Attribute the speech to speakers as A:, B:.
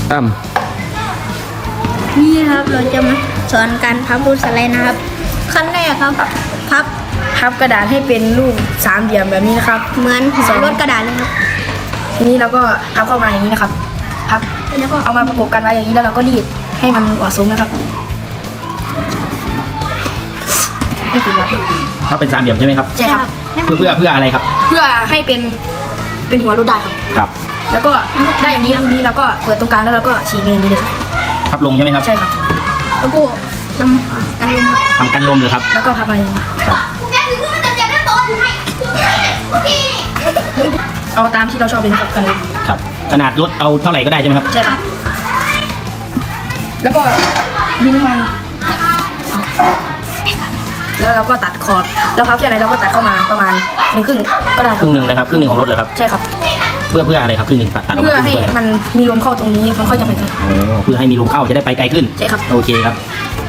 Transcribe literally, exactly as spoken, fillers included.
A: ตั้ม
B: นี่ครับเราจะมาสอนการพับรูปสไลด์นะครับขั้นแรกครับพับพับกระดาษให้เป็นรูปสามเหลี่ยมแบบนี้นะครับเหมือนหัวรถกระดาษเลยครับทีนี้เราก็พับเข้ามาอย่างนี้นะครับพับแล้วก็เอามาประกบกันไว้อย่างนี้แล้วเราก็รีดให้มันเหมาะสมนะครับนี่คือครับ
A: ถ้าเป็นสามเหลี่ยมใช่ไหมครับ
B: ใช่ครับ
A: เพื่อเพื่อเพื่ออะไรครับ
B: เพื่อให้เป็นเป็นหัวรถได้ครับ
A: ครับ
B: แล้วก็ได้อย่างนี้แล้วทีนี้เราก็เปิดตรงกลางแล้วเราก็ฉีกอย่างนี้เลยครับ
A: พับลงใช่ไหมครับ
B: ใช่ครับแล้วก็นำกันลม
A: ทำกันลมเลยครับ
B: แล้วก็พับมาอย่างนี้
A: ครับ
B: เอาตามที่เราชอบเลยนะครับกันเลย
A: ครับขนาดรถเอาเท่าไหร่ก็ได้ใช่ไหมครับ
B: ใช่ครับแล้วก็ดินน้ำมันแล้วเราก็ตัดขอบแล้วพับแค่ไหนเราก็ตัดเข้ามาประมาณหนึ่งครึ่งก็ได้
A: ครึ่งหนึ่งนะครับครึ่งหนึ่งของรถเลยครับ
B: ใช่ครับ
A: เพื่อเพื่ออะไรครับครึ่งหนึ่งตัดตัดออก
B: เพื่อ
A: มาครึ่
B: ให้
A: งเพื่ออะไรครับ
B: มันมีลมเข้าตรงนี้มันค่อยจะไปกัน
A: โอ้เพื่อให้มีลมเข้าจะได้ไปไกลขึ้น
B: ใช่ครับ
A: โอเคครับ